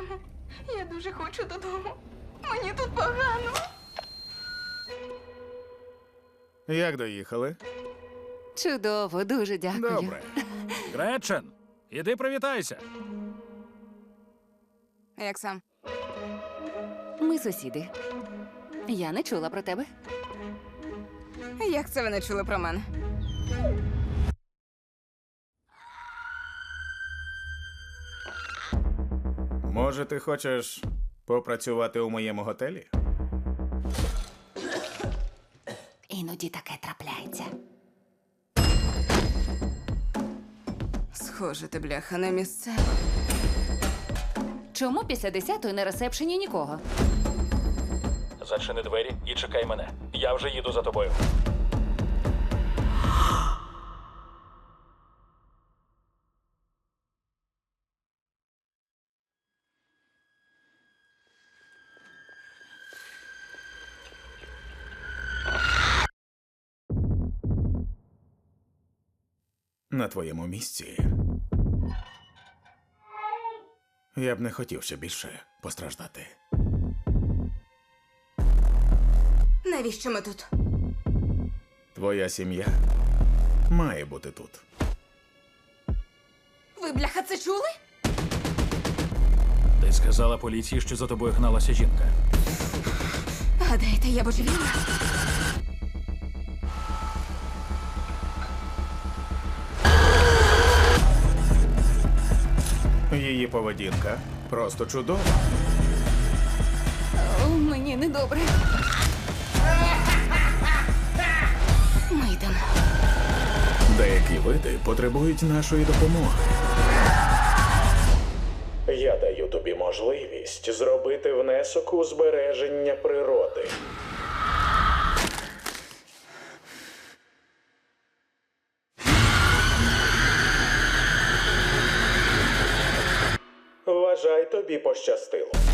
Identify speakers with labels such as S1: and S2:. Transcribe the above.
S1: Мамо, я дуже хочу додому. Мені тут погано.
S2: Як доїхали?
S3: Чудово, дуже дякую.
S2: Добре.
S4: Гречен, іди привітайся.
S1: Як сам?
S3: Ми сусіди. Я не чула про тебе.
S1: Як це ви не чули про мене?
S2: Може, ти хочеш попрацювати у моєму готелі?
S3: Іноді таке трапляється.
S1: Схоже, ти, бляха, не місцева.
S3: Чому після 10-ї на ресепшені нікого?
S4: Зачини двері і чекай мене. Я вже їду за тобою.
S2: На твоєму місці. Я б не хотів ще більше постраждати.
S1: Навіщо ми тут?
S2: Твоя сім'я має бути тут.
S1: Ви, бляха, це чули?
S4: Ти сказала поліції, що за тобою гналася жінка.
S1: Гадаєте, я божевільна?
S2: Її поведінка просто чудова.
S3: О, мені недобре.
S1: Ми йдемо.
S2: Деякі види потребують нашої допомоги. Я даю тобі можливість зробити внесок у збереження природи. Вважай, тобі пощастило.